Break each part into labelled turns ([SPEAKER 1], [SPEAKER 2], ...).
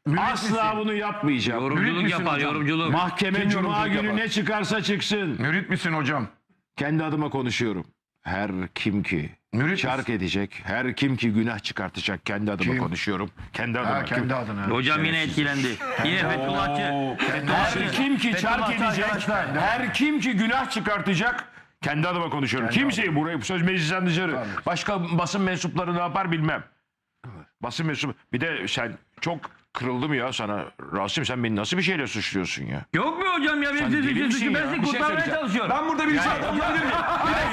[SPEAKER 1] Asla bunu yapmayacağım.
[SPEAKER 2] Yorumculuk yapar, yorumculuk.
[SPEAKER 1] Mahkeme cuma günü
[SPEAKER 3] yapar?
[SPEAKER 1] ne çıkarsa çıksın.
[SPEAKER 3] Mürit misin hocam?
[SPEAKER 1] Kendi adıma konuşuyorum. Her kim ki
[SPEAKER 3] Mürit
[SPEAKER 1] şark edecek, her kim ki günah çıkartacak, kendi adıma
[SPEAKER 3] Kim?
[SPEAKER 1] konuşuyorum. Kendi adıma.
[SPEAKER 3] Ha, kendi adına.
[SPEAKER 2] Hocam yine etkilendi. Yine Fethullahçı.
[SPEAKER 1] Her kim ki çark edecek, her kim ki günah çıkartacak, kendi adıma konuşuyorum. Kimseyi burayı söz meclisten dışarı. Başka basın mensupları ne yapar bilmem. Basın mensubu. Bir de sen çok kırıldım ya sana. Rasim sen beni nasıl bir şeyle suçluyorsun ya?
[SPEAKER 2] Yok mu hocam ya? Ben
[SPEAKER 1] Sen deli misin
[SPEAKER 2] sizi
[SPEAKER 1] ya?
[SPEAKER 2] ben
[SPEAKER 1] Bir
[SPEAKER 2] sizi
[SPEAKER 1] şey
[SPEAKER 2] kurtarmaya
[SPEAKER 1] söyleyeceğim.
[SPEAKER 2] çalışıyorum.
[SPEAKER 4] Ben burada bir şey anlatabilir miyim?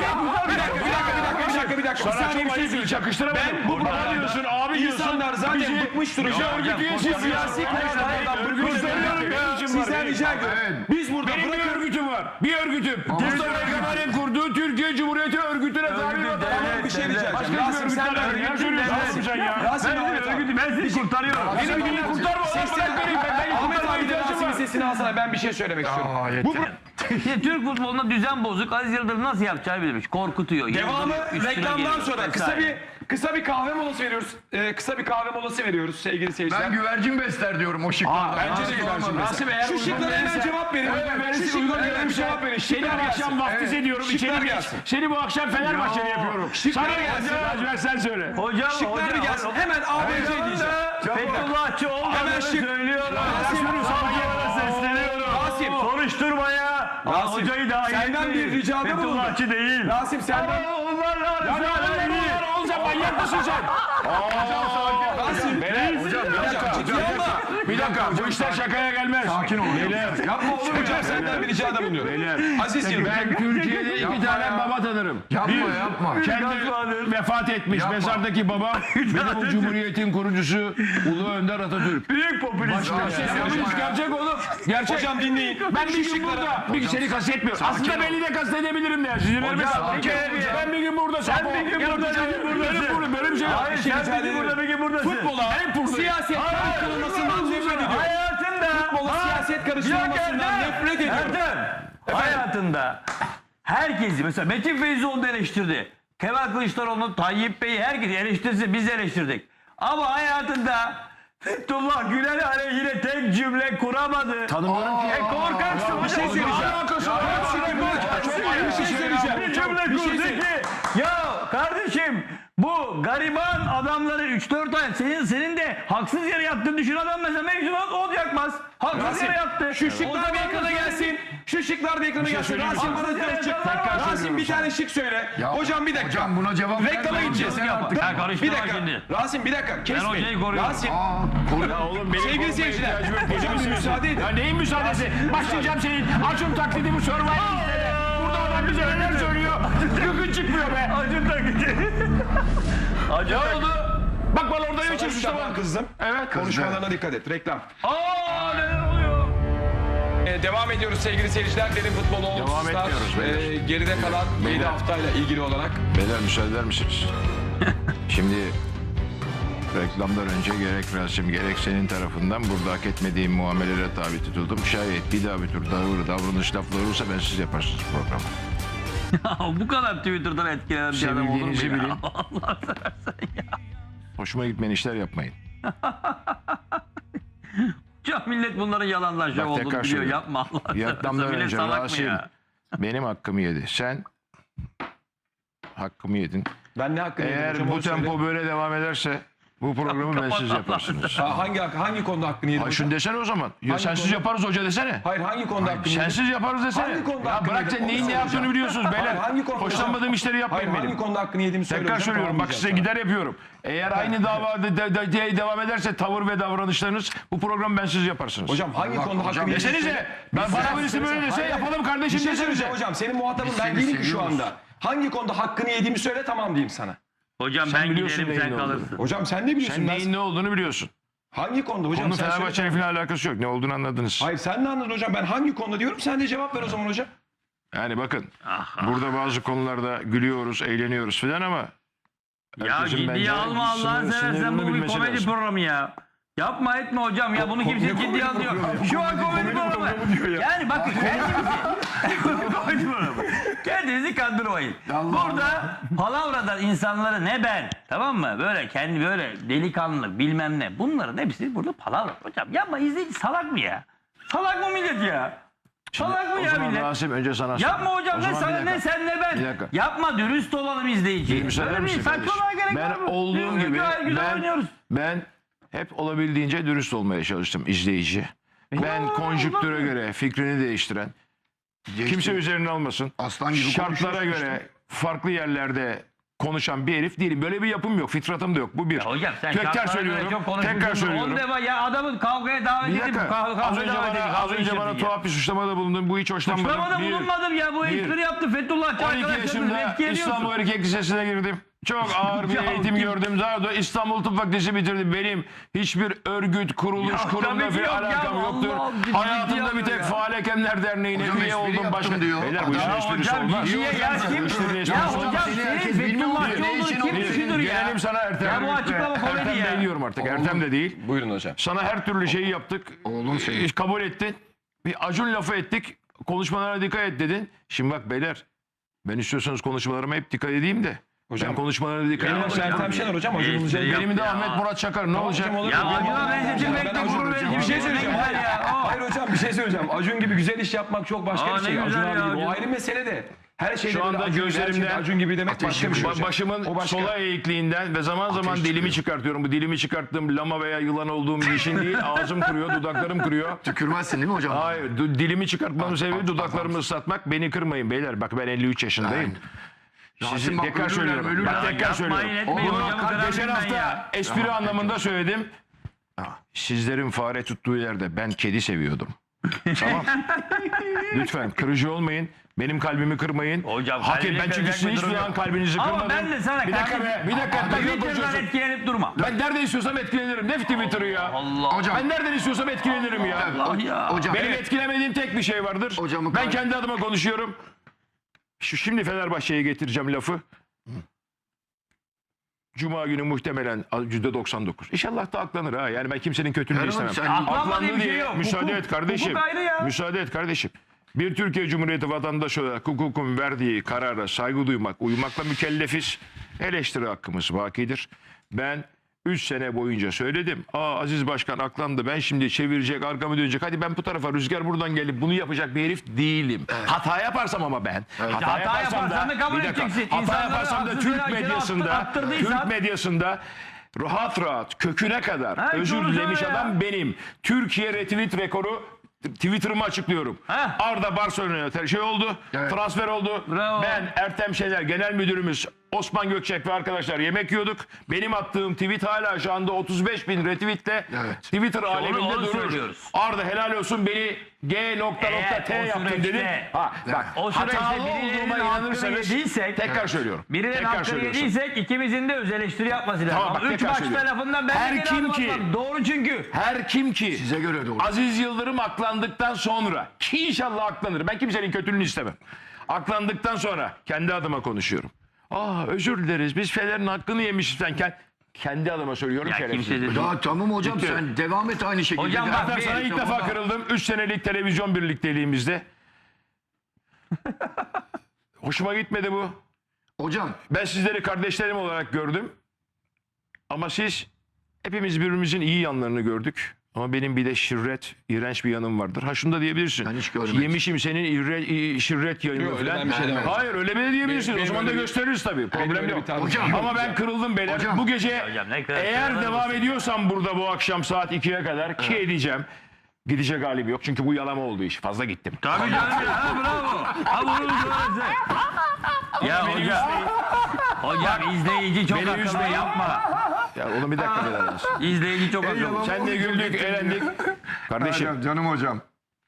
[SPEAKER 4] Bir dakika.
[SPEAKER 1] Sana çok şey söyleyeceğim. Çakıştıramadım.
[SPEAKER 4] Ben bu
[SPEAKER 1] Baba diyorsun, abi diyorsun.
[SPEAKER 4] İnsanlar zaten
[SPEAKER 1] Bizi-
[SPEAKER 4] bıkmış durumda.
[SPEAKER 1] Bizi örgüt üyesi
[SPEAKER 4] Bu siyasi kararlardan bıkmış durumda. Sizden rica ediyorum. Biz burada
[SPEAKER 1] Benim bir örgütüm var. Bir örgütüm. Mustafa Kemal'in kurduğu Türkiye Cumhuriyeti örgütüne tabi var.
[SPEAKER 4] Tamam, bir şey rica edeceğim.
[SPEAKER 1] Başka bir
[SPEAKER 4] Rasim
[SPEAKER 1] örgütler
[SPEAKER 4] sen
[SPEAKER 1] var.
[SPEAKER 4] de
[SPEAKER 1] Ne söylüyorsun
[SPEAKER 4] Rasim
[SPEAKER 1] sen ya?
[SPEAKER 4] Rasim Ahmet
[SPEAKER 2] Ben sizi kurtarıyorum.
[SPEAKER 1] Beni bir kurtarma lan. Bırak beni. Ben
[SPEAKER 4] Ahmet
[SPEAKER 1] kurtarmaya
[SPEAKER 4] abi de
[SPEAKER 1] ihtiyacım
[SPEAKER 4] Rasim'in
[SPEAKER 1] var.
[SPEAKER 4] sesini alsana, ben bir şey söylemek istiyorum. Bu
[SPEAKER 2] Şimdi Türk futbolunda düzen bozuk. Aziz Yıldırım nasıl yapacağını bilmiş. Korkutuyor.
[SPEAKER 4] devamı
[SPEAKER 2] Yıldırım üstüne
[SPEAKER 4] reklamdan
[SPEAKER 2] geliyor
[SPEAKER 4] sonra
[SPEAKER 2] vesaire.
[SPEAKER 4] kısa bir kahve molası veriyoruz. Kısa bir kahve molası veriyoruz sevgili seyirciler.
[SPEAKER 3] Ben güvercin besler diyorum o şıklardan.
[SPEAKER 4] Bence de güvercin besler.
[SPEAKER 1] Rasim eğer
[SPEAKER 4] Şu şıklara hemen cevap verin. Şu şıklara hemen cevap verin.
[SPEAKER 1] Seni bu
[SPEAKER 4] Şıklar
[SPEAKER 1] akşam
[SPEAKER 4] gelsin.
[SPEAKER 1] vaftiz ediyorum.
[SPEAKER 4] Şıklar
[SPEAKER 1] İçeri geç.
[SPEAKER 4] gelsin.
[SPEAKER 1] Seni bu akşam Fenerbahçeli yapıyorum. Sana gelsin. Lacivert sen söyle.
[SPEAKER 2] Hocam,
[SPEAKER 4] Şıklar bir gelsin. Hemen ABC diyeceğim.
[SPEAKER 2] Fethullahçı
[SPEAKER 4] Hemen
[SPEAKER 2] olmadığını
[SPEAKER 4] şık.
[SPEAKER 2] söylüyorum.
[SPEAKER 4] Rasim,
[SPEAKER 2] Savcılara sesleniyorum.
[SPEAKER 4] Rasim.
[SPEAKER 2] Soruşturmaya.
[SPEAKER 4] Rasim,
[SPEAKER 2] Hocayı dahil
[SPEAKER 4] senden
[SPEAKER 2] etmeyin.
[SPEAKER 4] bir ricada bulundum.
[SPEAKER 2] Fethullahçı değil.
[SPEAKER 4] Rasim senden...
[SPEAKER 2] Onlarla
[SPEAKER 1] Oğlum sen manyak mısın sen?
[SPEAKER 4] Rasim.
[SPEAKER 1] Bir dakika. Bu işler şakaya gelmez. Sakin ol. Beyler.
[SPEAKER 4] Yapma oğlum hocam, senden bir ricada bulunuyorum.
[SPEAKER 1] Beyler.
[SPEAKER 4] Aziz Yıldırım.
[SPEAKER 1] Ben Türkiye'de iki tane baba tanırım.
[SPEAKER 3] Yapma.
[SPEAKER 1] Kendi vefat etmiş mezardaki baba ve bu cumhuriyetin kurucusu Ulu Önder Atatürk.
[SPEAKER 2] büyük popülist.
[SPEAKER 1] Gerçek oğlum. Gerçek.
[SPEAKER 4] Hocam dinleyin.
[SPEAKER 1] Ben bir gün burada, bir seni kastetmiyorum. Aslında beni de kastedebilirim de. Sizin ben bir gün burada.
[SPEAKER 2] Sen bir gün burada,
[SPEAKER 1] Benim burada böyle bir şey yok.
[SPEAKER 2] Hayır sen bir gün burada, bir gün buradasın.
[SPEAKER 4] Futbola siyaset karıştırılmasından nefret ediyorum.
[SPEAKER 2] Hayatında.
[SPEAKER 4] Futbola siyaset karıştırılmasından nefret ediyorum.
[SPEAKER 2] Hayatında herkesi mesela Metin Feyzoğlu da eleştirdi. Kemal Kılıçdaroğlu, Tayyip Bey'i herkes eleştirse biz eleştirdik. Ama hayatında Fethullah Gülen aleyhine tek cümle kuramadı.
[SPEAKER 1] Tanımıyorum ki.
[SPEAKER 2] Korkaksın.
[SPEAKER 4] Bir şey söyleyeceğim. Bir şey söyleyeceğim.
[SPEAKER 2] Bir cümle kurdu ki ya kardeşim bu gariban adamları 3-4 ay senin de haksız yere yattığını düşün adam mesela mevzuat olacakmaz. Haksız yere yattı.
[SPEAKER 4] Şu şıklar bir ekrana gelsin. Şu şıklar bir ekrana gelsin. Rasim bana dört şık. Rasim bir tane şık söyle. Hocam bir dakika.
[SPEAKER 3] Hocam buna cevap ver.
[SPEAKER 4] Reklama gideceğiz.
[SPEAKER 2] Ya
[SPEAKER 4] Bir
[SPEAKER 2] karıştırma
[SPEAKER 4] dakika.
[SPEAKER 2] şimdi.
[SPEAKER 4] Rasim bir dakika. Kesmeyin.
[SPEAKER 2] hocayı koruyorum.
[SPEAKER 4] Rasim.
[SPEAKER 1] Ya oğlum benim
[SPEAKER 4] Sevgili seyirciler. Hocam bir müsaade edin.
[SPEAKER 1] Ya neyin müsaadesi? Başlayacağım senin Acun taklidi bu Survivor izledi. Burada adam bize neler söylüyor. Gıkın çıkmıyor be.
[SPEAKER 2] Acun takıcı.
[SPEAKER 1] Ne oldu? Bak bana orada ne çıkmış
[SPEAKER 4] Tamam kızdım.
[SPEAKER 1] Evet.
[SPEAKER 4] Konuşmalarına dikkat et. Reklam.
[SPEAKER 2] Neler oluyor?
[SPEAKER 4] Devam ediyoruz sevgili seyirciler. Derin futbol
[SPEAKER 1] Devam etmiyoruz beyler.
[SPEAKER 4] Geride kalan 7 haftayla ilgili olarak.
[SPEAKER 1] Beyler müsaade eder misiniz? Şimdi reklamdan önce gerek Rasim gerek senin tarafından burada hak etmediğim muamelelere tabi tutuldum. Şayet bir daha bir tür davranış lafları olursa ben siz yaparsınız programı.
[SPEAKER 2] Bu kadar Twitter'dan etkilenen bir adam olur mu
[SPEAKER 1] Sevildiğinizi
[SPEAKER 2] ya?
[SPEAKER 1] bilin.
[SPEAKER 2] Allah seversen ya.
[SPEAKER 1] Hoşuma gitmeyen işler yapmayın.
[SPEAKER 2] Ya millet bunların yalanlar şov
[SPEAKER 1] Bak,
[SPEAKER 2] olduğunu
[SPEAKER 1] tekrar
[SPEAKER 2] biliyor.
[SPEAKER 1] söylüyorum.
[SPEAKER 2] Yapma Allah
[SPEAKER 1] Reklamdan
[SPEAKER 2] seversen. Millet
[SPEAKER 1] önce
[SPEAKER 2] salak mı
[SPEAKER 1] Rasim
[SPEAKER 2] ya?
[SPEAKER 1] benim hakkımı yedi. Sen hakkımı yedin.
[SPEAKER 4] Ben ne hakkını yedim hocam,
[SPEAKER 1] Eğer bu
[SPEAKER 4] onu söyle.
[SPEAKER 1] tempo böyle devam ederse bu programı ben siz yaparsınız.
[SPEAKER 4] Hangi konuda hakkını yedim?
[SPEAKER 1] Ha, şunu desene o zaman. Ya
[SPEAKER 4] Hangi
[SPEAKER 1] sensiz
[SPEAKER 4] konu?
[SPEAKER 1] yaparız hoca desene.
[SPEAKER 4] Hayır hangi konuda hakkını yedim?
[SPEAKER 1] Sensiz yaparız desene.
[SPEAKER 4] Hangi konuda
[SPEAKER 1] Ya
[SPEAKER 4] hakkını
[SPEAKER 1] bırak
[SPEAKER 4] yedim?
[SPEAKER 1] sen
[SPEAKER 4] Onu
[SPEAKER 1] neyin ne
[SPEAKER 4] soracağım.
[SPEAKER 1] yaptığını biliyorsunuz beyler.
[SPEAKER 4] Hayır, hangi konuda
[SPEAKER 1] Hoşlanmadığım
[SPEAKER 4] hocam?
[SPEAKER 1] işleri yapmayın
[SPEAKER 4] Hayır,
[SPEAKER 1] benim.
[SPEAKER 4] hangi konuda hakkını yediğimi söyle
[SPEAKER 1] Tekrar
[SPEAKER 4] hocam,
[SPEAKER 1] söylüyorum bak size
[SPEAKER 4] tamamlayacağım
[SPEAKER 1] gider yapıyorum. Eğer aynı davada devam ederse tavır ve davranışlarınız bu programı ben siz yaparsınız.
[SPEAKER 4] Hocam hangi konuda hakkını yedim?
[SPEAKER 1] Desenize. Ben bana birisi böyle dese yapalım kardeşim
[SPEAKER 4] Bir şey
[SPEAKER 1] desenize.
[SPEAKER 4] söyleyeceğim hocam. Senin muhatabın ben
[SPEAKER 3] seni
[SPEAKER 4] değilim ki şu
[SPEAKER 3] seviyoruz.
[SPEAKER 4] anda. Hangi konuda hakkını yediğimi söyle, tamam diyeyim sana.
[SPEAKER 2] Hocam
[SPEAKER 1] Sen
[SPEAKER 2] ben
[SPEAKER 1] biliyorsun
[SPEAKER 2] giderim sen
[SPEAKER 1] neyin olduğunu.
[SPEAKER 2] kalırsın.
[SPEAKER 4] Hocam sen ne biliyorsun?
[SPEAKER 1] Sen
[SPEAKER 4] Ben-
[SPEAKER 1] neyin ne olduğunu biliyorsun.
[SPEAKER 4] Hangi konuda hocam?
[SPEAKER 1] Onun
[SPEAKER 4] Sen söyle.
[SPEAKER 1] Fenerbahçe'nin falan alakası yok. Ne olduğunu anladınız.
[SPEAKER 4] Hayır sen ne anladın hocam? Ben hangi konuda diyorum, sen de cevap ver o zaman hocam.
[SPEAKER 1] Yani bakın burada bazı konularda gülüyoruz, eğleniyoruz falan ama
[SPEAKER 2] Ya
[SPEAKER 1] herkesin
[SPEAKER 2] ciddiye
[SPEAKER 1] bence
[SPEAKER 2] alma Allah'ını seversen
[SPEAKER 1] sınırını
[SPEAKER 2] bu bir
[SPEAKER 1] bilmesi
[SPEAKER 2] komedi
[SPEAKER 1] lazım.
[SPEAKER 2] programı ya. Yapma etme hocam ya bunu kimse ciddiye almıyor. Şu an komedi programı. Yani bakın Kendinizi kandırmayın. Burada palavradan insanları ne ben, tamam mı? Böyle kendi böyle delikanlı bilmem ne. Bunların hepsi burada palavra. Hocam yapma, izleyici salak mı ya? Salak mı millet ya? Salak mı
[SPEAKER 1] O
[SPEAKER 2] ya
[SPEAKER 1] zaman
[SPEAKER 2] millet?
[SPEAKER 1] Rasim önce sana
[SPEAKER 2] Yapma hocam,
[SPEAKER 1] O
[SPEAKER 2] ne
[SPEAKER 1] zaman
[SPEAKER 2] sana
[SPEAKER 1] bir
[SPEAKER 2] ne
[SPEAKER 1] dakika.
[SPEAKER 2] sen ne
[SPEAKER 1] Bir
[SPEAKER 2] ben.
[SPEAKER 1] dakika.
[SPEAKER 2] Yapma, dürüst olalım izleyici.
[SPEAKER 1] Müsaade
[SPEAKER 2] Öyle
[SPEAKER 1] misin
[SPEAKER 2] değil,
[SPEAKER 1] kardeşim?
[SPEAKER 2] saçmalığa gerek var
[SPEAKER 1] Ben
[SPEAKER 2] mı?
[SPEAKER 1] olduğum gibi
[SPEAKER 2] Güzel oynuyoruz.
[SPEAKER 1] ben hep olabildiğince dürüst olmaya çalıştım izleyici. Ben konjüktüre göre fikrini değiştiren, kimse üzerine almasın.
[SPEAKER 3] Aslan gibi
[SPEAKER 1] Şartlara
[SPEAKER 3] konuşuyorsun
[SPEAKER 1] göre farklı yerlerde konuşan bir herif değilim. Böyle bir yapım yok, fitratım da yok. Bu bir.
[SPEAKER 2] Ya hocam sen
[SPEAKER 1] Tekrar
[SPEAKER 2] şartlara göre
[SPEAKER 1] söylüyorum.
[SPEAKER 2] çok konuşmuşsun.
[SPEAKER 1] Tekrar söylüyorum.
[SPEAKER 2] 10 defa ya adamın kavgaya davet
[SPEAKER 1] Bir
[SPEAKER 2] edip
[SPEAKER 1] dakika.
[SPEAKER 2] kavga
[SPEAKER 1] Az önce
[SPEAKER 2] davet edip
[SPEAKER 1] bana, az önce bana tuhaf bir suçlamada bulundun. Bu hiç hoşlanmadım.
[SPEAKER 2] Suçlamada
[SPEAKER 1] Bir.
[SPEAKER 2] bulunmadım ya, bu
[SPEAKER 1] Bir.
[SPEAKER 2] espri yaptı Fethullahçı
[SPEAKER 1] 12
[SPEAKER 2] arkadaşlarını
[SPEAKER 1] yaşında
[SPEAKER 2] etki ediyorsun.
[SPEAKER 1] İstanbul Erkek Lisesi'ne girdim. Çok ağır bir
[SPEAKER 2] Ya
[SPEAKER 1] eğitim
[SPEAKER 2] kim-
[SPEAKER 1] gördüm. Daha da İstanbul Tıp Fakültesi bitirdim. Benim hiçbir örgüt, kuruluş,
[SPEAKER 2] Ya
[SPEAKER 1] kurumla
[SPEAKER 2] tabii ki
[SPEAKER 1] bir
[SPEAKER 2] yok ya,
[SPEAKER 1] alakam yoktur.
[SPEAKER 2] Allah Allah,
[SPEAKER 1] Hayatımda
[SPEAKER 2] ciddi
[SPEAKER 1] bir tek
[SPEAKER 2] ya.
[SPEAKER 1] Faal Hekemler Derneği'ne
[SPEAKER 3] Hocam
[SPEAKER 1] üye
[SPEAKER 3] espri
[SPEAKER 1] oldum.
[SPEAKER 3] yaptım
[SPEAKER 1] Başka
[SPEAKER 3] diyor.
[SPEAKER 1] Beyler bu işin
[SPEAKER 3] Adam-
[SPEAKER 1] esprisi
[SPEAKER 2] Hocam
[SPEAKER 1] olmaz.
[SPEAKER 2] ciddiye ya kim?
[SPEAKER 1] İşin esprisi
[SPEAKER 2] Ya
[SPEAKER 1] olmaz.
[SPEAKER 2] hocam
[SPEAKER 3] Seni
[SPEAKER 2] senin
[SPEAKER 3] herkes bilmiyor
[SPEAKER 2] Fethullahçı
[SPEAKER 3] diyor. Ne
[SPEAKER 2] olduğunu
[SPEAKER 3] işin
[SPEAKER 2] kim
[SPEAKER 3] olmuş?
[SPEAKER 2] düşünür ya?
[SPEAKER 1] Gelelim sana Ertem.
[SPEAKER 2] Ya bu açıklama komedi
[SPEAKER 1] Ertem
[SPEAKER 2] ya.
[SPEAKER 1] ben diyorum artık. Ertem de değil.
[SPEAKER 4] Buyurun hocam.
[SPEAKER 1] Sana her türlü şeyi yaptık.
[SPEAKER 3] Oğlum senin.
[SPEAKER 1] Kabul ettin. Bir Acun lafı ettik. Konuşmalara dikkat et dedin. Şimdi bak beyler. Ben istiyorsanız konuşmalarıma hep dikkat edeyim de.
[SPEAKER 4] Hocam,
[SPEAKER 1] Ben konuşmalarına dikkat
[SPEAKER 4] Benim
[SPEAKER 1] edeyim.
[SPEAKER 4] adım Ertem Şener hocam. Hocam olacak.
[SPEAKER 1] Benim de
[SPEAKER 2] Ya.
[SPEAKER 1] Ahmet Murat Çakar. Ne olacak?
[SPEAKER 4] hocam, olur.
[SPEAKER 2] Ya
[SPEAKER 4] Benim
[SPEAKER 2] Acun'a
[SPEAKER 4] adım
[SPEAKER 2] benzetin
[SPEAKER 4] Ertem
[SPEAKER 2] bekle
[SPEAKER 4] Şener.
[SPEAKER 2] gurur
[SPEAKER 4] Ben
[SPEAKER 2] verici
[SPEAKER 4] Acun
[SPEAKER 2] bir şey
[SPEAKER 4] hocam.
[SPEAKER 2] söyleyeceğim.
[SPEAKER 4] Hayır,
[SPEAKER 2] Ya.
[SPEAKER 4] hayır hocam, bir şey söyleyeceğim. Acun gibi güzel iş yapmak çok başka
[SPEAKER 2] Aa,
[SPEAKER 4] bir şey.
[SPEAKER 2] ne
[SPEAKER 4] Acun
[SPEAKER 2] güzel
[SPEAKER 4] abi
[SPEAKER 2] ya,
[SPEAKER 4] gibi. O
[SPEAKER 2] Acun.
[SPEAKER 4] ayrı mesele de. Her şeyde
[SPEAKER 1] Şu
[SPEAKER 4] böyle
[SPEAKER 1] anda
[SPEAKER 4] Acun gibi, her şeyde
[SPEAKER 1] gözlerimde
[SPEAKER 4] Acun gibi demek başka bir şey hocam.
[SPEAKER 1] Başımın
[SPEAKER 4] O başka.
[SPEAKER 1] sola eğikliğinden ve zaman zaman
[SPEAKER 3] Ateş
[SPEAKER 1] dilimi
[SPEAKER 3] çıkıyor.
[SPEAKER 1] çıkartıyorum. Bu dilimi çıkarttığım lama veya yılan olduğum bir işin değil. Ağzım kuruyor, dudaklarım kuruyor.
[SPEAKER 3] Tükürmezsin değil mi hocam?
[SPEAKER 1] Hayır, dilimi çıkartmamın sebebi dudaklarımı ıslatmak. Beni kırmayın beyler. Bak ben 53 yaşındayım. Sizi
[SPEAKER 3] Rasim bak,
[SPEAKER 1] tekrar
[SPEAKER 3] ölürler,
[SPEAKER 1] söylüyorum.
[SPEAKER 3] ölürler.
[SPEAKER 1] Bak tekrar söylüyorum.
[SPEAKER 2] Yapmayın etmeyin
[SPEAKER 3] Oğlum,
[SPEAKER 2] hocam.
[SPEAKER 3] bak,
[SPEAKER 1] Geçen hafta espri anlamında söyledim. Sizlerin fare tuttuğu yerde ben kedi seviyordum. Tamam. Lütfen kırıcı olmayın. Benim kalbimi kırmayın.
[SPEAKER 2] Hocam,
[SPEAKER 1] Hak
[SPEAKER 2] kalbini
[SPEAKER 1] ben çünkü
[SPEAKER 2] kıracak
[SPEAKER 1] sizin
[SPEAKER 2] bir
[SPEAKER 1] hiçbir
[SPEAKER 2] durum
[SPEAKER 1] zaman
[SPEAKER 2] yok.
[SPEAKER 1] kalbinizi
[SPEAKER 2] Ama
[SPEAKER 1] kırmadım.
[SPEAKER 2] ben de sana
[SPEAKER 1] Bir dakika be. Bir dakika.
[SPEAKER 2] Twitter'dan
[SPEAKER 1] konuşuyorsun.
[SPEAKER 2] etkilenip durma.
[SPEAKER 1] Ben nereden istiyorsam etkilenirim. Ne Twitter'ı ya?
[SPEAKER 2] Allah.
[SPEAKER 3] Hocam.
[SPEAKER 1] Ben nereden istiyorsam etkilenirim ya.
[SPEAKER 2] Allah ya.
[SPEAKER 3] Hocam.
[SPEAKER 1] Benim etkilemediğim tek bir şey vardır.
[SPEAKER 3] Hocamın
[SPEAKER 1] Ben
[SPEAKER 3] kalbi-
[SPEAKER 1] kendi adıma konuşuyorum. Şimdi Fenerbahçe'ye getireceğim lafı. Cuma günü muhtemelen %99. İnşallah da aklanır ha. Yani ben kimsenin kötülüğünü
[SPEAKER 3] Erhan,
[SPEAKER 1] istemem.
[SPEAKER 3] sen-
[SPEAKER 2] Aklanma
[SPEAKER 1] Aklandı
[SPEAKER 2] diye bir şey
[SPEAKER 1] diye
[SPEAKER 2] yok.
[SPEAKER 1] müsaade et kardeşim.
[SPEAKER 2] hukuk ayrı ya.
[SPEAKER 1] Müsaade et kardeşim. Bir Türkiye Cumhuriyeti vatandaşı olarak hukukun verdiği karara saygı duymak, uymakla mükellefiz. Eleştiri hakkımız bakidir. Ben 3 sene boyunca söyledim. Aziz Başkan aklandı. Ben şimdi çevirecek, arkamı dönecek. Hadi ben bu tarafa, rüzgar buradan gelip bunu yapacak bir herif değilim. Hata yaparsam ama ben.
[SPEAKER 2] Hata yaparsan da kabul
[SPEAKER 1] bir dakika,
[SPEAKER 2] edeceksin.
[SPEAKER 1] Hata
[SPEAKER 2] İnsanları
[SPEAKER 1] yaparsam da
[SPEAKER 2] haksız
[SPEAKER 1] Türk
[SPEAKER 2] yere
[SPEAKER 1] medyasında,
[SPEAKER 2] attırdıysan-
[SPEAKER 1] Türk medyasında rahat rahat köküne kadar
[SPEAKER 2] Ha,
[SPEAKER 1] özür
[SPEAKER 2] doğru
[SPEAKER 1] dilemiş
[SPEAKER 2] söyle ya.
[SPEAKER 1] adam benim. Türkiye retweet rekoru Twitter'ımı açıklıyorum.
[SPEAKER 2] Ha.
[SPEAKER 1] Arda Barcelona'ya şey oldu.
[SPEAKER 3] Evet.
[SPEAKER 1] Transfer oldu.
[SPEAKER 2] Bravo.
[SPEAKER 1] Ben Ertem Şener Genel Müdürümüz Osman Gökçek ve arkadaşlar yemek yiyorduk. Benim attığım tweet hala şu anda 35.000 retweetle
[SPEAKER 3] Evet.
[SPEAKER 1] Twitter aleminde
[SPEAKER 2] onu
[SPEAKER 1] durur.
[SPEAKER 2] söylüyoruz.
[SPEAKER 1] Arda helal olsun beni
[SPEAKER 2] Eğer
[SPEAKER 1] G.T
[SPEAKER 2] o
[SPEAKER 1] yaptın
[SPEAKER 2] süreçte-
[SPEAKER 1] dedim. Ha, bak
[SPEAKER 2] o süreçte
[SPEAKER 1] hatalı
[SPEAKER 2] birilerinin
[SPEAKER 1] olduğuma
[SPEAKER 2] hakkını
[SPEAKER 1] inanırsanız
[SPEAKER 2] yediysek-
[SPEAKER 1] tekrar söylüyorum.
[SPEAKER 2] Birinin
[SPEAKER 1] Tekrar
[SPEAKER 2] hakkını
[SPEAKER 1] söylüyorsun.
[SPEAKER 2] yediysek ikimizin de öz eleştiri yapması lazım.
[SPEAKER 1] Tamam, bak,
[SPEAKER 2] Ama 3
[SPEAKER 1] tekrar
[SPEAKER 2] maçta
[SPEAKER 1] söylüyorum.
[SPEAKER 2] lafından ben
[SPEAKER 1] Her
[SPEAKER 2] de geri
[SPEAKER 1] kim
[SPEAKER 2] adım
[SPEAKER 1] ki-
[SPEAKER 2] atmam. Doğru çünkü.
[SPEAKER 1] Her kim ki
[SPEAKER 3] Size göre doğru.
[SPEAKER 1] Aziz Yıldırım aklandıktan sonra ki inşallah aklanır. Ben kimsenin kötülüğünü istemem. Aklandıktan sonra kendi adıma konuşuyorum. Özür dileriz biz Fener'in hakkını yemişiz sen kendi adıma söylüyorum.
[SPEAKER 2] Ya
[SPEAKER 1] şerefsiz.
[SPEAKER 2] kimse de
[SPEAKER 3] Ya tamam hocam,
[SPEAKER 1] Bitti.
[SPEAKER 3] sen devam et aynı şekilde.
[SPEAKER 2] Hocam bak,
[SPEAKER 3] Ertem,
[SPEAKER 1] Ben sana ilk
[SPEAKER 3] tamam
[SPEAKER 1] defa
[SPEAKER 3] da-
[SPEAKER 1] kırıldım. 3 senelik televizyon birlikteliğimizde. Hoşuma gitmedi bu.
[SPEAKER 3] Hocam
[SPEAKER 1] Ben sizleri kardeşlerim olarak gördüm. Ama siz hepimiz birbirimizin iyi yanlarını gördük. Ama benim bir de şirret, iğrenç bir yanım vardır. Ha şunu da diyebilirsin.
[SPEAKER 3] Ben hiç görmedim.
[SPEAKER 1] Yemişim senin şirret yayını
[SPEAKER 4] Yok, öyle
[SPEAKER 1] falan.
[SPEAKER 4] ben bir şey demem.
[SPEAKER 1] Hayır öyle mi diyebilirsin.
[SPEAKER 4] Benim
[SPEAKER 1] O zaman da
[SPEAKER 4] öyle bir-
[SPEAKER 1] gösteririz tabii. Problem
[SPEAKER 4] öyle bir
[SPEAKER 1] yok.
[SPEAKER 4] tarzım
[SPEAKER 3] Hocam,
[SPEAKER 4] yok.
[SPEAKER 1] Ama ben kırıldım beyler.
[SPEAKER 3] Hocam.
[SPEAKER 1] Bu gece
[SPEAKER 2] Hocam ne kadar
[SPEAKER 1] eğer
[SPEAKER 2] kırılır
[SPEAKER 1] devam
[SPEAKER 2] mısın?
[SPEAKER 1] ediyorsam burada bu akşam saat 2'ye kadar ki edeceğim. Gidecek halim yok. Çünkü bu yalama oldu iş. Fazla gittim.
[SPEAKER 2] Tabii canım ya. Ha, bravo. Ha bunu söylese. Ya
[SPEAKER 1] Beni
[SPEAKER 2] hocam.
[SPEAKER 1] üzmeyin.
[SPEAKER 2] Hocam izleyici çok
[SPEAKER 1] Beni
[SPEAKER 2] akıllı
[SPEAKER 1] üzmeyin.
[SPEAKER 2] yapma.
[SPEAKER 1] Ya onu bir dakika beyler.
[SPEAKER 2] İzleyici çok akıllı.
[SPEAKER 1] Sen de güldük, eğlendik. Kardeşim
[SPEAKER 3] canım hocam.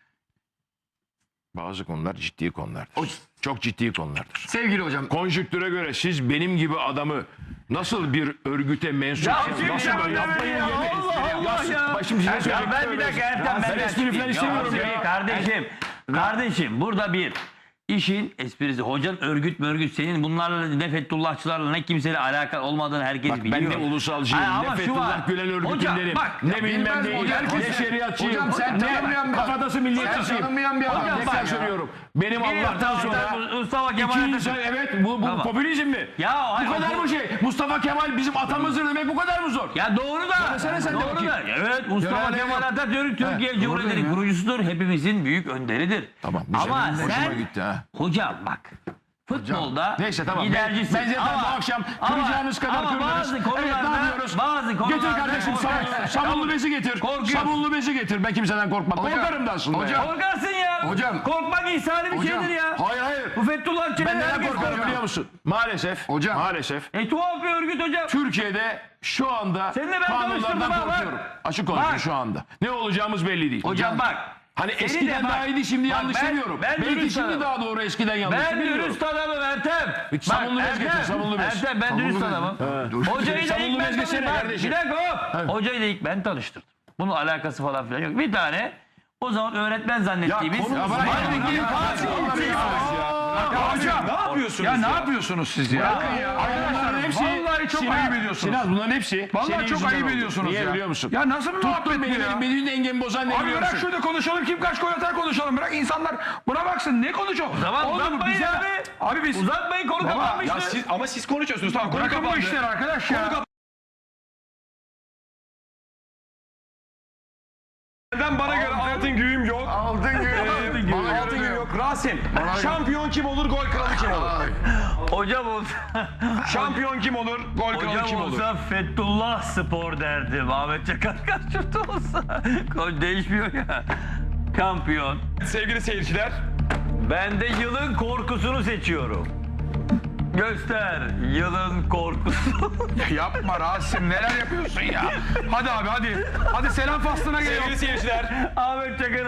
[SPEAKER 1] bazı konular ciddi konulardır.
[SPEAKER 3] O-
[SPEAKER 1] Çok ciddi konulardır.
[SPEAKER 3] Sevgili hocam.
[SPEAKER 1] Konjüktüre göre siz benim gibi adamı nasıl bir örgüte mensupsınız?
[SPEAKER 2] şimdi
[SPEAKER 1] Nasıl
[SPEAKER 2] ya,
[SPEAKER 1] böyle yapmayın
[SPEAKER 2] ya,
[SPEAKER 1] yemin.
[SPEAKER 2] Allah Allah ya.
[SPEAKER 1] Bak şimdi size
[SPEAKER 2] Ya
[SPEAKER 1] söyleyeyim.
[SPEAKER 2] ben bir dakika Ertem
[SPEAKER 1] Ben espri falan istemiyorum ya.
[SPEAKER 2] Kardeşim, kardeşim burada bir İşin esprisi. Hocanın örgüt senin bunlarla ne Fethullahçılarla ne kimseyle alakalı olmadığını herkes
[SPEAKER 1] Bak
[SPEAKER 2] biliyor.
[SPEAKER 1] ben de ulusalcıyım,
[SPEAKER 2] Hayır,
[SPEAKER 1] ne
[SPEAKER 2] ama şu
[SPEAKER 1] Fethullah
[SPEAKER 2] var.
[SPEAKER 1] Gülen örgütündenim,
[SPEAKER 2] Hocam, bak,
[SPEAKER 1] ne bilmem
[SPEAKER 3] bilmez
[SPEAKER 1] değil,
[SPEAKER 3] hocam,
[SPEAKER 1] ne şeriatçıyım,
[SPEAKER 3] hocam sen
[SPEAKER 1] ne
[SPEAKER 3] tanımayan bir adam.
[SPEAKER 1] kafatası milliyetçisiyim.
[SPEAKER 3] Sen tanımayan bir adam.
[SPEAKER 1] Hocam
[SPEAKER 2] bak
[SPEAKER 1] tekrar
[SPEAKER 2] ya.
[SPEAKER 1] söylüyorum. Benim Allah'tan sonra
[SPEAKER 2] Mustafa Kemal
[SPEAKER 1] iki
[SPEAKER 2] Atatürk.
[SPEAKER 1] insan, evet bu
[SPEAKER 2] Tamam.
[SPEAKER 1] popülizm mi?
[SPEAKER 2] Ya, hayır,
[SPEAKER 1] bu kadar
[SPEAKER 2] o-
[SPEAKER 1] mı şey? Mustafa Kemal bizim atamızdır demek bu kadar mı zor?
[SPEAKER 2] Ya doğru da.
[SPEAKER 1] Söylesene sen de
[SPEAKER 2] Doğru
[SPEAKER 1] bakayım.
[SPEAKER 2] da. Evet Mustafa
[SPEAKER 1] Görelim.
[SPEAKER 2] Kemal Atatürk Türkiye
[SPEAKER 1] doğru
[SPEAKER 2] Cumhuriyeti'nin
[SPEAKER 1] dedim ya.
[SPEAKER 2] kurucusudur. Hepimizin büyük önderidir.
[SPEAKER 1] Tamam, güzel.
[SPEAKER 2] Ama
[SPEAKER 1] Hoşuma
[SPEAKER 2] sen
[SPEAKER 1] gitti ha.
[SPEAKER 2] hocam bak futbolda
[SPEAKER 1] Neyse tamam.
[SPEAKER 2] gidercisin.
[SPEAKER 1] Ben zaten bu akşam kıracağınız kadar
[SPEAKER 2] ama
[SPEAKER 1] kırarız.
[SPEAKER 2] bazı
[SPEAKER 1] Evet
[SPEAKER 2] konularda,
[SPEAKER 1] ne yapıyoruz?
[SPEAKER 2] bazı konularda
[SPEAKER 1] Getir kardeşim sabunlu bezi getir.
[SPEAKER 2] Korkuyorsun.
[SPEAKER 1] Sabunlu bezi getir. Ben kimseden korkmam.
[SPEAKER 3] Hocam,
[SPEAKER 1] Korkarım da aslında.
[SPEAKER 3] hocam.
[SPEAKER 1] ya.
[SPEAKER 2] korkarsın ya.
[SPEAKER 3] Hocam.
[SPEAKER 2] Korkmak insani bir
[SPEAKER 3] Hocam.
[SPEAKER 2] şeydir ya.
[SPEAKER 1] Hayır hayır.
[SPEAKER 2] Bu Fethullahçılar
[SPEAKER 1] Ben neden
[SPEAKER 2] herkes
[SPEAKER 1] korkarım
[SPEAKER 2] korkar.
[SPEAKER 1] biliyor musun? Maalesef.
[SPEAKER 3] Hocam.
[SPEAKER 1] Maalesef.
[SPEAKER 2] Tuhaf bir örgüt hocam.
[SPEAKER 1] Türkiye'de şu anda
[SPEAKER 2] Seninle ben
[SPEAKER 1] kanunlardan
[SPEAKER 2] tanıştırdım ha, bak.
[SPEAKER 1] korkuyorum. Açık konuşayım
[SPEAKER 2] Bak.
[SPEAKER 1] şu anda. Ne olacağımız belli değil.
[SPEAKER 2] Hocam bak.
[SPEAKER 1] Hani
[SPEAKER 2] seni
[SPEAKER 1] eskiden
[SPEAKER 2] de bak.
[SPEAKER 1] daha iyiydi şimdi
[SPEAKER 2] Bak,
[SPEAKER 1] yanlış
[SPEAKER 2] ben-
[SPEAKER 1] demiyorum.
[SPEAKER 2] ben
[SPEAKER 1] Belki
[SPEAKER 2] dürüst
[SPEAKER 1] şimdi
[SPEAKER 2] adamım.
[SPEAKER 1] daha doğru eskiden yanlış.
[SPEAKER 2] Ben
[SPEAKER 1] bilmiyorum.
[SPEAKER 2] dürüst adamım Ertem.
[SPEAKER 1] Bir sabunlu bez getir, sabunlu bez.
[SPEAKER 2] Ertem ben dürüst adamım. Hocayı da
[SPEAKER 1] Sabunlu
[SPEAKER 2] ilk ben
[SPEAKER 1] bez getirsene
[SPEAKER 2] tanıştırdım.
[SPEAKER 1] kardeşim.
[SPEAKER 2] Bir dakika hop. Hocayı da ilk ben tanıştırdım. Bunun alakası falan filan yok. Bir tane o zaman öğretmen zannettiğimiz.
[SPEAKER 1] konu- Ya bırak ya,
[SPEAKER 2] Halbuki
[SPEAKER 1] bırak ya,
[SPEAKER 2] Fatih
[SPEAKER 1] bırak ya.
[SPEAKER 2] ilçesi.
[SPEAKER 4] Ya hocam ne yapıyorsunuz
[SPEAKER 5] Ya ne yapıyorsunuz siz ya?
[SPEAKER 1] Bunların hepsi
[SPEAKER 5] Vallahi çok ayıp ediyorsunuz.
[SPEAKER 1] Sinan bunların hepsi
[SPEAKER 5] Vallahi
[SPEAKER 1] senin
[SPEAKER 5] çok
[SPEAKER 1] yüzünden
[SPEAKER 5] ayıp
[SPEAKER 1] oldu.
[SPEAKER 5] ediyorsunuz
[SPEAKER 1] Niye
[SPEAKER 5] ya.
[SPEAKER 1] biliyor musun?
[SPEAKER 5] Ya nasıl bir muhabbet
[SPEAKER 1] Tuttun
[SPEAKER 5] bu
[SPEAKER 1] beni,
[SPEAKER 5] ya?
[SPEAKER 1] benim dengemi bozan ne
[SPEAKER 5] Abi
[SPEAKER 1] biliyor
[SPEAKER 5] bırak
[SPEAKER 1] musun?
[SPEAKER 5] şurada konuşalım, kim kaç gol atar konuşalım. Bırak insanlar buna baksın, ne konuşuyor?
[SPEAKER 2] Tamam
[SPEAKER 5] Oğlum,
[SPEAKER 2] uzatmayın
[SPEAKER 5] bize-
[SPEAKER 2] abi.
[SPEAKER 5] Abi biz...
[SPEAKER 2] Uzatmayın konu
[SPEAKER 5] Baba,
[SPEAKER 2] kapanmıştır.
[SPEAKER 4] Ama siz konuşuyorsunuz tamam konu
[SPEAKER 5] Bırakın bu
[SPEAKER 4] kapandı.
[SPEAKER 5] işleri arkadaş ya.
[SPEAKER 4] Ben bana göre altın güğüm yok.
[SPEAKER 3] Altın gibi. Bana
[SPEAKER 4] Altın
[SPEAKER 3] göre
[SPEAKER 4] güğüm
[SPEAKER 3] yok.
[SPEAKER 4] yok. Rasim şampiyon kim olur gol kralı kim olur?
[SPEAKER 3] Ay.
[SPEAKER 2] Hocam olsa,
[SPEAKER 4] Şampiyon kim olur gol kralı
[SPEAKER 2] hocam
[SPEAKER 4] kim olur?
[SPEAKER 2] olsa Fethullah Spor derdim. Ahmet Çakar karşımda olsa. Kol değişmiyor ya. Kampiyon.
[SPEAKER 4] Sevgili seyirciler
[SPEAKER 2] Ben de yılın korkusunu seçiyorum. Göster yılın korkusu.
[SPEAKER 5] Yapma Rasim, neler yapıyorsun ya? Hadi abi hadi. Hadi selam faslına geliyor.
[SPEAKER 4] sevgili seyirciler
[SPEAKER 2] Ahmet Çakar